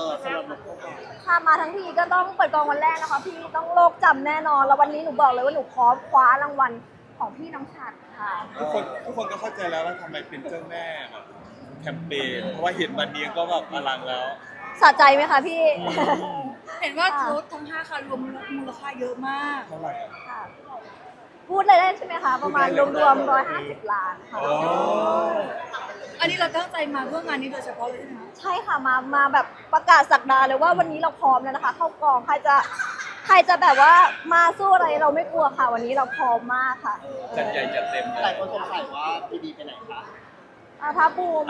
สำหรับหนูก็ค่ะมาทั้งทีก็ต้องเปิดกองวันแรกนะคะพี่ต้องโลกจำแน่นอนแล้ววันนี้หนูบอกเลยว่าหนูพร้อมคว้ารางวัลของพี่น้องฉัตรค่ะทุกคนก็เข้าใจแล้วว่าทำไมเป็นเจ้าแม่แบบแคมเปญเพราะว่าเห็นวันนี้ก็แบบอลังแล้วสะใจไหมคะพี่เห็นว่ารถทั้ง5คันรวมมูลค่าเยอะมากเท่าไหร่ค่ะพูดเลยได้ใช่ไหมคะประมาณรวมๆ150 ล้านค่ะอันนี้เราตั้งใจมาเพื่องานนี้โดยเฉพาะเลยใช่ไหมใช่ค่ะมาแบบประกาศสักดาเลยว่าวันนี้เราพร้อมแล้วนะคะเข้ากองใครจะแบบว่ามาสู้อะไรเราไม่กลัวค่ะวันนี้เราพร้อมมากค่ะจัดใหญ่จัดเต็มหลายคนสงสัยว่าพีดีไปไหนคะท้าบูม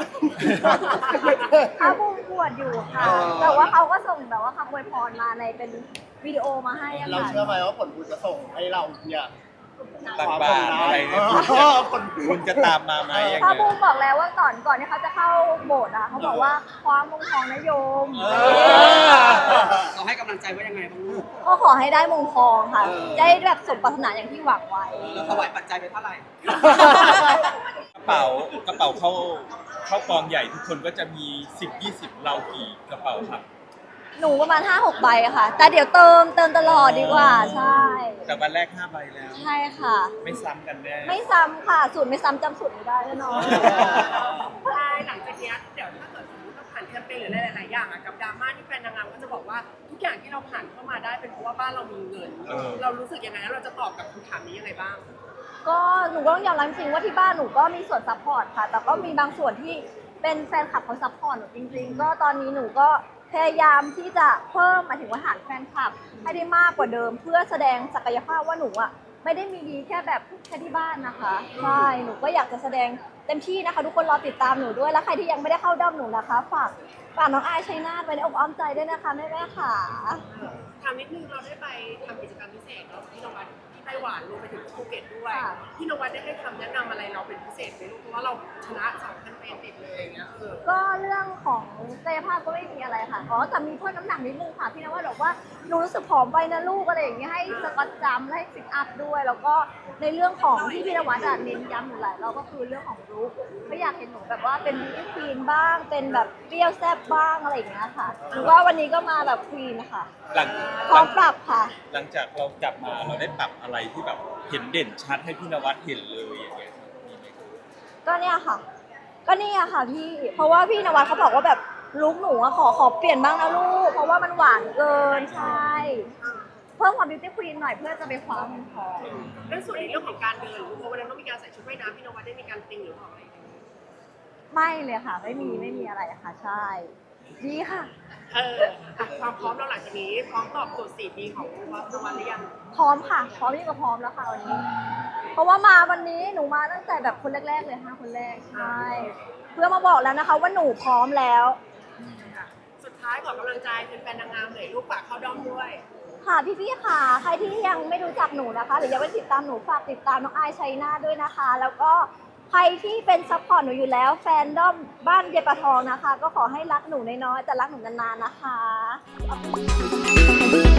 ปวดอยู่ค่ะแต่ว่าเขาก็ส่งแบบว่าคำอวยพรมาในเป็นวิดีโอมาให้ค่ะเราเชื่อไหมว่าผลบุญจะส่งให้เราเนี่ยตักบาตรอะไรเนี่ยคุณจะตามมาไหมท้าบูมบอกแล้วว่าก่อนที่เขาจะเข้าโบสถ์อะเขาบอกว่าคว้ามงทองนะโยมเราให้กำลังใจว่ายังไงบ้างลูกก็ขอให้ได้มงทองค่ะได้แบบสมปรารถนาอย่างที่หวังไว้เราถวายปัจจัยไปเท่าไหร่กระเป๋าเข้ากองใหญ่ทุกคนก็จะมี10-20เรากี่กระเป๋าครับหนูประมาณ 5-6 ใบค่ะแต่เดี๋ยวเติมตลอดดีกว่าใช่แต่วันแรก5 ใบแล้วใช่ค่ะไม่ซ้ำกันแน่ไม่ซ้ำค่ะสูตรไม่ซ้ำจำสูตรไม่ได้แน่นอนใช่หลังจากนี้เดี๋ยวถ้าเกิดสมมติเราผ่านแคมเปญหรือหลายๆอย่างกับดราม่าที่แฟนนางงามก็จะบอกว่าทุกอย่างที่เราผ่านเข้ามาได้เป็นเพราะว่าบ้านเรามีเงินเรารู้สึกยังไงแล้วเราจะตอบกับคำถามนี้ยังไงบ้างก็หนูก็ต้องยอมรับจริงว่าที่บ้านหนูก็มีส่วนซัพพอร์ตค่ะแต่ก็มีบางส่วนที่เป็นแฟนคลับเขาซัพพอร์ตหนูจริงๆก็ตอนนี้หนูก็พยายามที่จะเพิ่มหมายถึงว่าฐานแฟนคลับให้ได้มากกว่าเดิมเพื่อแสดงศักยภาพว่าหนูอ่ะไม่ได้มีดีแค่แบบแค่ที่บ้านนะคะใช่หนูก็อยากจะแสดงเต็มที่นะคะทุกคนรอติดตามหนูด้วยแล้วใครที่ยังไม่ได้เข้าด้อมหนูนะคะฝากน้องอายชัยนาทไว้ในอกอ้อมใจด้วยนะคะแม่ๆค่ะถามนิดนึงเราได้ไปทำกิจกรรมพิเศษเนาะที่โรงพยาบาลที่ไต้หวันรวมไปถึงภูเก็ตด้วยที่โรงพยาบาลได้ให้คำแนะนำอะไรเราเป็นพิเศษไหมลูกเพราะว่าเราชนะ2 แคมเปญติดเลยอย่างเงี้ยก็เรื่องของกายภาพก็ไม่มีอะไรค่ะแต่มีเพิ่มน้ำหนักนิดนึงค่ะพี่นวัดบอกว่าหนูรู้สึกผอมไปนะลูกอะไรอย่างเงี้ยให้สกอตจัมป์ให้ซิทอัพด้วยแล้วก็ในเรื่องของที่พี่นวัดเน้นย้ำหนูหลายเราก็คือเรื่องของลุคไม่อยากเห็นหนูแบบว่าเป็นบิวตี้ควีนบ้างเป็นแบบเปรี้ยวแซ่บบ้างอะไรอย่างเงี้ยค่ะหรือว่าวันนี้ก็มาแบบควีนค่ะพร้อมปรับค่ะหลังจากเรากลับมาเราได้ปรับอะไรที่แบบเห็นเด่นชัดให้พี่นวัดเห็นเลยอย่างเงี้ยก็เนี่ยค่ะพี่เพราะว่าพี่นวัดเขาบอกว่าแบบลุคหนูอะขอเปลี่ยนบ้างนะลูกเพราะว่ามันหวานเกินใช่เพิ่มความบิวตี้ควีนหน่อยเพื่อจะไปคว้าเงินทองเรื่องส่วนในเรื่องของการเดินหรือเพราะวันนั้นต้องมีการใส่ชุดว่ายน้ำพี่นวัดได้มีการติงหรือเปล่าอะไรไม่เลยค่ะไม่มีอะไรค่ะใช่ดีค่ะความพร้อมเราหลังจากนี้พร้อมตอบโจทย์4 ปีของวัดนวัดหรือยังพร้อมค่ะพร้อมยิ่งกว่าพร้อมแล้วค่ะวันนี้เพราะว่ามาวันนี้หนูมาตั้งแต่แบบคนแรกๆเลย5 คนแรกใช่เพื่อมาบอกแล้วนะคะว่าหนูพร้อมแล้วสุดท้ายขอกำลังใจเป็นแฟนนางงามเลยลูกฝากเข้าด้อมด้วยค่ะพี่ๆค่ะใครที่ยังไม่รู้จักหนูนะคะหรือยังไม่ติดตามหนูฝากติดตามน้องอายชัยนาทด้วยนะคะแล้วก็ใครที่เป็นซัพพอร์ตหนูอยู่แล้วแฟนด้อมบ้านเยปะทองนะคะก็ขอให้รักหนูน้อยๆแต่รักหนูนานๆนะคะ